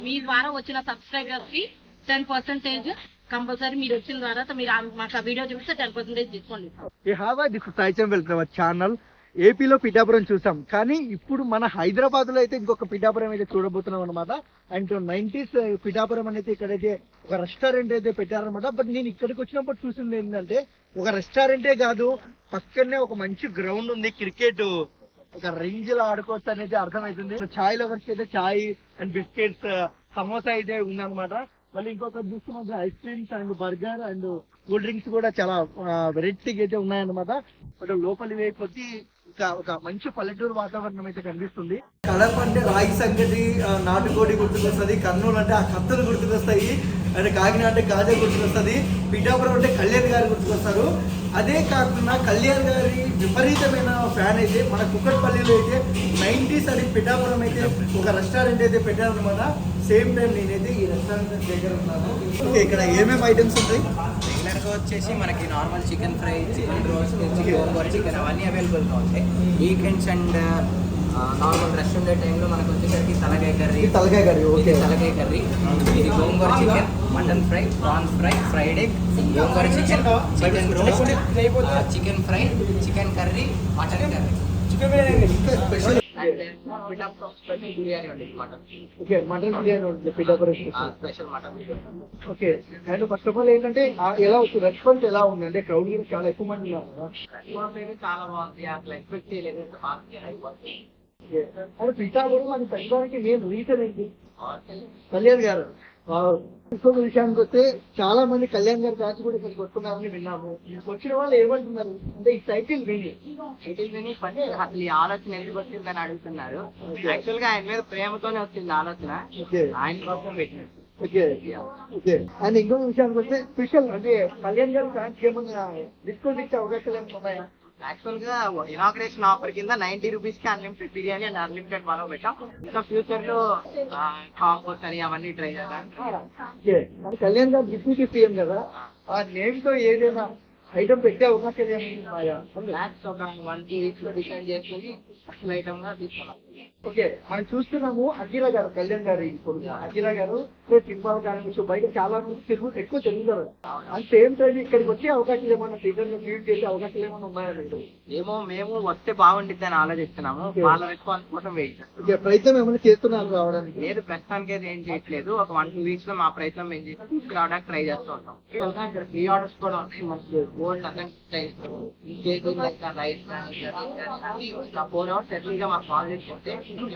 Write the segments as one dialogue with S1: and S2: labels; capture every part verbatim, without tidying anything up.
S1: మీ ద్వారా వచ్చిన సబ్స్క్రైబర్స్ కి టెన్ పర్సెంటేజ్ కంపల్సరీ మీరు వచ్చిన తర్వాత మీరు మాకు ఆ వీడియో చూస్తే టెన్ పర్సెంటేజ్ తీసుకోండి.
S2: ఛానల్ ఏపీలో పిఠాపురం చూసాం, కానీ ఇప్పుడు మన హైదరాబాద్ లో అయితే ఇంకొక పిఠాపురం అయితే చూడబోతున్నాం అనమాట. అండ్ నైన్టీస్ పిఠాపురం అనేది ఇక్కడైతే ఒక రెస్టారెంట్ అయితే పెట్టారనమాట. బట్ నేను ఇక్కడికి వచ్చినప్పుడు చూసింది ఏంటంటే ఒక రెస్టారెంటే కాదు, పక్కనే ఒక మంచి గ్రౌండ్ ఉంది, క్రికెట్ ఒక రేంజ్ లో ఆడుకోవచ్చు అనేది అర్థమవుతుంది. చాయ్ లవర్స్ అయితే చాయ్ అండ్ బిస్కెట్స్ సమోసా అయితే ఉందన్నమాట. మళ్ళీ ఇంకొక చూస్తున్న ice creams and burger and cool drinks కూడా చాలా వెరైటీగా అయితే ఉన్నాయన్నమాట. బట్ లోపలి వైపు ఇంకా ఒక మంచి పల్లెటూరు వాతావరణం అయితే కనిపిస్తుంది. కడప అంటే రాగి సంగటి, నాటుకోడి గుర్తుకొస్తుంది, కర్నూలు అంటే ఆ కత్తులు గుర్తుకొస్తాయి, అంటే కాకినాడ అంటే గాజా గుర్తుకొస్తుంది, పిఠాపురం అంటే కళ్యాణ్ గారు గుర్తుకొస్తారు. అదే కాకుండా కళ్యాణ్ గారి విపరీతమైన ఫ్యాన్ అయితే మన కుక్కట్పల్లిలో అయితే నైన్టీస్ అని పిఠాపురం అయితే ఒక రెస్టారెంట్ అయితే పెట్టారనమాట. సేమ్ టైం నేనైతే ఈ రెస్టారెంట్ దగ్గర ఉన్నాను. ఇక్కడ ఏమేమి ఐటమ్స్ ఉంటాయి?
S3: రెగ్యులర్గా వచ్చేసి మనకి normal chicken fry, chicken roast, gongura chicken అవన్నీ అవైలబుల్గా ఉంటాయి. వీకెండ్స్ అండ్ నార్మల్ రెస్ట్ ఉండే టైంలో మనకు వచ్చేసరికి తలకాయ కర్రీ
S2: తలకాయ కర్రీ ఓకే
S3: తలకాయ కర్రీ ఇది gongura chicken, mutton fry, prawns fry, fried egg, gongura chicken, chicken roast, chicken fry, chicken curry, mutton curry,
S2: special
S3: biryani ఉంటుంది మటన్.
S2: ఓకే, మటన్ బిర్యానీ ఉంటుంది Pithapuram
S3: special mutton.
S2: Okay, and first of all ఏంటంటే ఎలా వస్తుంది response ఎలా ఉంది అంటే క్రౌడ్ కూడా చాలా ఎక్కువ మంది
S3: ఉన్నారు. చాలా బాగుంది, అసలు ఎక్స్పెక్ట్ చేయలేదు.
S2: అంటే పిఠాపురం అది పెట్టడానికి మెయిన్ రీజన్ ఏంటి? కళ్యాణ్ గారు. ఇంకొక విషయానికి వస్తే చాలా మంది కళ్యాణ్ గారి బ్యాచ్ కూడా ఇక్కడికి వస్తున్నారని విన్నాము. వచ్చిన వాళ్ళు ఏమంటున్నారు అంటే ఈ టైటిల్ విని
S3: టైటిల్ విని పని అసలు ఈ ఆలోచన ఎందుకు వచ్చిందని అడుగుతున్నారు. యాక్చువల్ గా ఆయన మీద ప్రేమతోనే వచ్చింది ఆలోచన, ఆయన కోసం పెట్టినారు.
S2: ఓకే ఓకే అండ్ ఇంకొక విషయానికి వస్తే స్పెషల్ అంటే కళ్యాణ్ గారి ఫ్యాన్స్ ఏమన్నా డిస్కౌంట్ ఇచ్చే అవకాశాలు ఏమైనా ఉన్నాయా?
S3: యాక్చువల్ గా ఇనాగ్రేషన్ ఆఫర్ కింద నైన్టీ రూపీస్ కి అన్లిమిటెడ్ బిర్యానీ అండ్ అన్లిమిటెడ్ మనం పెట్టాం. ఇంకా ఫ్యూచర్ లో కాంపోస్ అని అవన్నీ ట్రై చేయాలి.
S2: కళ్యాణ్ గారు డిప్యూటీ సీఎం కదా, ఆ నేమ్ తో ఏదైనా ఐటమ్ పెట్టే అవకాశాలు ఏమైనా?
S3: ఒక వన్ టూ వీక్స్ లో డిసైడ్ చేసుకుని అసలు ఐటమ్ గా తీసుకున్నాం.
S2: ఓకే, మనం చూస్తున్నాము అఖిల గారు, కళ్యాణ్ గారు కొడుకు అఖిల గారు సినిమాలు కానీ బయట చాలా మంది తిరుగు ఎక్కువ తిరుగుతారు. అండ్ సేమ్ టైం ఇక్కడికి వచ్చే అవకాశాలు ఏమన్నా థియేటర్ లో క్రియేట్ చేసే అవకాశాలు ఏమైనా ఉన్నాయా?
S3: ఏమో మేము వస్తే బాగుంటుంది అని ఆలోచిస్తున్నాము. వాళ్ళ రెస్పాన్స్ కోసం వెయిట్ చేస్తాం.
S2: ప్రయత్నం ఏమైనా చేస్తున్నారు రావడానికి?
S3: లేదు, ప్రస్తుతానికి అయితే ఏం చేయట్లేదు. ఒక వన్ టూ వీక్స్ లో మా ప్రయత్నం మేము చేసి తీసుకురావడానికి ట్రై చేస్తూ ఉంటాం. ఇక్కడ ప్రీ ఆర్డర్స్ కూడా ఉన్నాయి. మనకి గోల్డ్ అటెండ్ రైస్ ఫోర్ అవర్స్ ఎర్లీ గా మాకు కాల్ చేసుకుంటే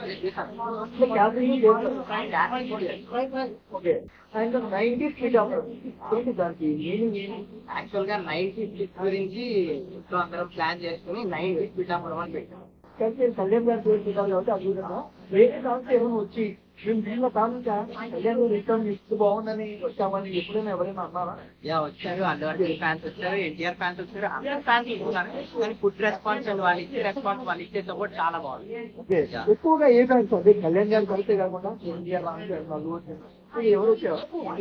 S3: యాక్చువల్ గా నైన్టీ సిక్స్ గురించి అందరం ప్లాన్ చేసుకుని నైన్టీ పిఠాపురం అని పెట్టాం.
S2: కళ్యాణ్ గారు చూడాలి కాబట్టి అద్భుతంగా వేరే కావచ్చు ఏమైనా వచ్చి మేము దీనిలో కాకుండా కళ్యాణ్ గారు రిటర్న్ ఇస్తూ బాగుందని వచ్చామని ఎప్పుడైనా ఎవరైనా అన్నారా?
S3: యా వచ్చారు, అల్లు అర్జున్ ఫ్యాన్స్ వచ్చారు, ఎన్టీఆర్ ఫ్యాన్స్ వచ్చారు, అందరు ఫ్యాన్స్ ఇస్తున్నారు. కానీ ఫుడ్ రెస్పాన్స్ అండ్ వాళ్ళు ఇచ్చే రెస్పాన్స్ వాళ్ళు ఇచ్చే సపోర్ట్ చాలా బాగుంది.
S2: ఎక్కువగా ఏ ఫ్యాన్స్ అంటే కళ్యాణ్ గారు కలిసే కాకుండా ఎన్టీఆర్ ఎవరు వచ్చారు?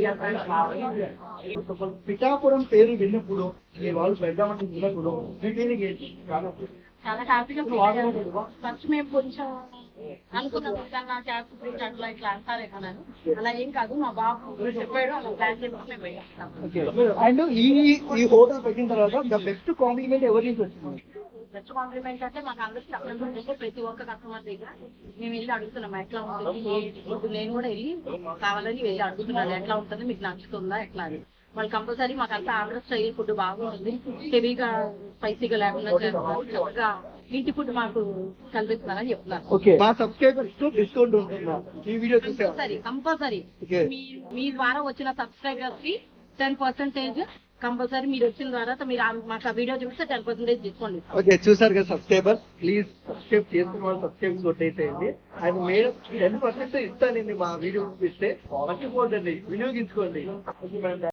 S2: పిఠాపురం పేరు విన్నప్పుడు వాళ్ళు పెద్దామంటే విన్నప్పుడు
S1: చాలా హ్యాపీగా ఫస్ట్ మేము కొంచెం అనుకున్నాం కన్నా క్యాబ్ గురించి అట్లా ఇట్లా అంటారే కన్నాను. అలా ఏం కాదు, మా బాబు చెప్పాడు, అలా ప్లాన్ చేసుకుని పోయాం.
S2: అండ్ ఈ ఈ హోటల్ పెట్టిన తర్వాత బెస్ట్ కాంప్లిమెంట్ ఎవరి నుంచి వచ్చింది?
S1: బెస్ట్ కాంప్లిమెంట్ అంటే మాకు అందరికి అక్కడ ప్రతి ఒక్క కస్టమర్ దగ్గర మేము వెళ్ళి అడుగుతున్నాం ఎట్లా ఉంటుంది. ఇప్పుడు నేను కూడా వెళ్ళి కావాలని వెళ్ళి అడుగుతున్నాను ఎట్లా ఉంటుంది, మీకు నచ్చుతుందా ఎట్లా అని. వాళ్ళు కంపల్సరీ మాకు అంతా ఆంధ్ర స్టైల్ ఫుడ్ బాగుంటుంది, హెవీగా స్పైసీగా లేకుండా చేస్తారు, చక్కగా ఇంటి ఫుడ్ మాకు కల్పిస్తున్నారని చెప్తున్నారు.
S2: మా సబ్స్క్రైబర్స్ డిస్కౌంట్ ఉంటుందా ఈ వీడియో
S1: కంపల్సరీ కంపల్సరీ మీ ద్వారా వచ్చిన సబ్స్క్రైబర్స్ కి టెన్ పర్సెంటేజ్ కంపల్సరీ మీరు వచ్చిన తర్వాత మీరు మాకు ఆ వీడియో చూస్తే టెన్ పర్సెంటేజ్ తీసుకోండి.
S2: ఓకే, చూసారు కదా సబ్స్క్రైబర్, ప్లీజ్ సబ్స్క్రైబ్ చేసుకున్న వాళ్ళు సబ్స్క్రైబ్ కొట్టేసేయండి. అండ్ మేడం టెన్ పర్సెంట్ ఇస్తానండి మా వీడియో చూపిస్తే, మర్చిపోదండి, వినియోగించుకోండి.